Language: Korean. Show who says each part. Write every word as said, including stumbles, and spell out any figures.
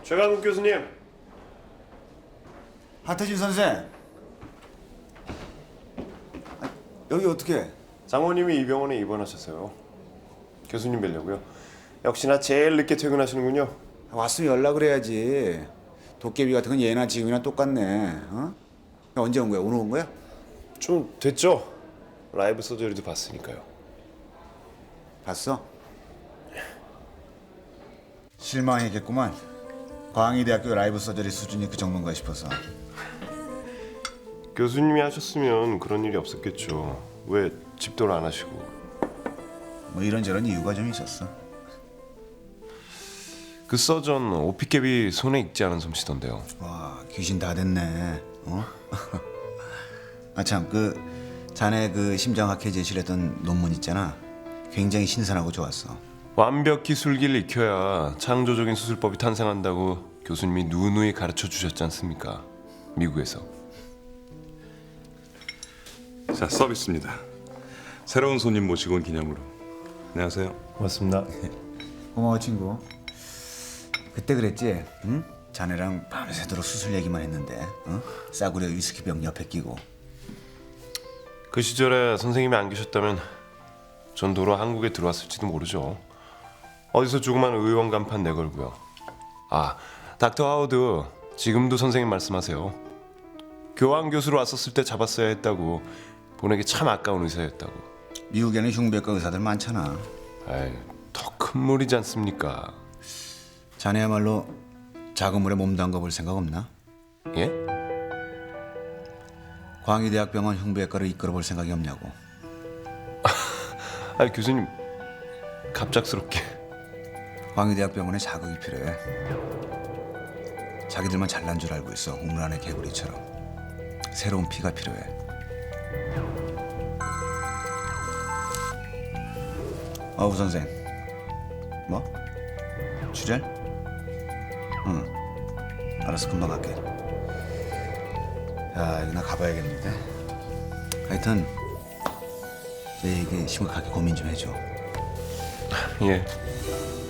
Speaker 1: 최강욱 교수님.
Speaker 2: 하태진 선생. 아, 여기 어떻게?
Speaker 1: 장모님이 이 병원에 입원하셨어요. 교수님 뵈려고요. 역시나 제일 늦게 퇴근하시는군요.
Speaker 2: 왔으면 연락을 해야지. 도깨비 같은 건 예나 지금이나 똑같네. 어? 언제 온 거야? 오늘 온 거야?
Speaker 1: 좀 됐죠? 라이브 서저리도 봤으니까요.
Speaker 2: 봤어? 실망했겠구만. 광희대학교 라이브 서저리 수준이 그 정도인가 싶어서.
Speaker 1: 교수님이 하셨으면 그런 일이 없었겠죠. 왜 집도를 안 하시고.
Speaker 2: 뭐 이런저런 이유가 좀 있었어.
Speaker 1: 그 서전 오피캡이 손에 익지 않은 솜씨던데요.
Speaker 2: 와, 귀신 다 됐네. 어? 아 참, 그 자네 그 심장학회 제출했던 논문 있잖아. 굉장히 신선하고 좋았어.
Speaker 1: 완벽히 술기를 익혀야 창조적인 수술법이 탄생한다고 교수님이 누누이 가르쳐 주셨지 않습니까? 미국에서.
Speaker 3: 자, 서비스입니다. 새로운 손님 모시고 온 기념으로. 안녕하세요.
Speaker 1: 고맙습니다.
Speaker 2: 고마워 친구. 그때 그랬지? 응? 자네랑 밤새도록 수술 얘기만 했는데, 어? 싸구려 위스키병 옆에 끼고.
Speaker 1: 그 시절에 선생님이 안 계셨다면 전 도로 한국에 들어왔을지도 모르죠. 어디서 조그만 의원 간판 내걸고요. 아, 닥터 하우드 지금도 선생님 말씀하세요. 교환 교수로 왔었을 때 잡았어야 했다고. 보내기 참 아까운 의사였다고.
Speaker 2: 미국에는 흉부외과 의사들 많잖아.
Speaker 1: 아이, 더 큰 물이지 않습니까?
Speaker 2: 자네야말로 작은 물에 몸 담가볼 생각 없나?
Speaker 1: 예?
Speaker 2: 광희대학병원 흉부외과를 이끌어볼 생각이 없냐고.
Speaker 1: 아, 교수님 갑작스럽게.
Speaker 2: 광희대학병원에 자극이 필요해. 자기들만 잘난 줄 알고 있어. 우물 안의 개구리처럼. 새로운 피가 필요해. 어우 선생. 뭐? 출혈? 응. 알았어, 금방 갈게. 야, 이거 나 가봐야겠는데. 하여튼 내 얘기 심각하게 고민 좀 해줘.
Speaker 1: 예.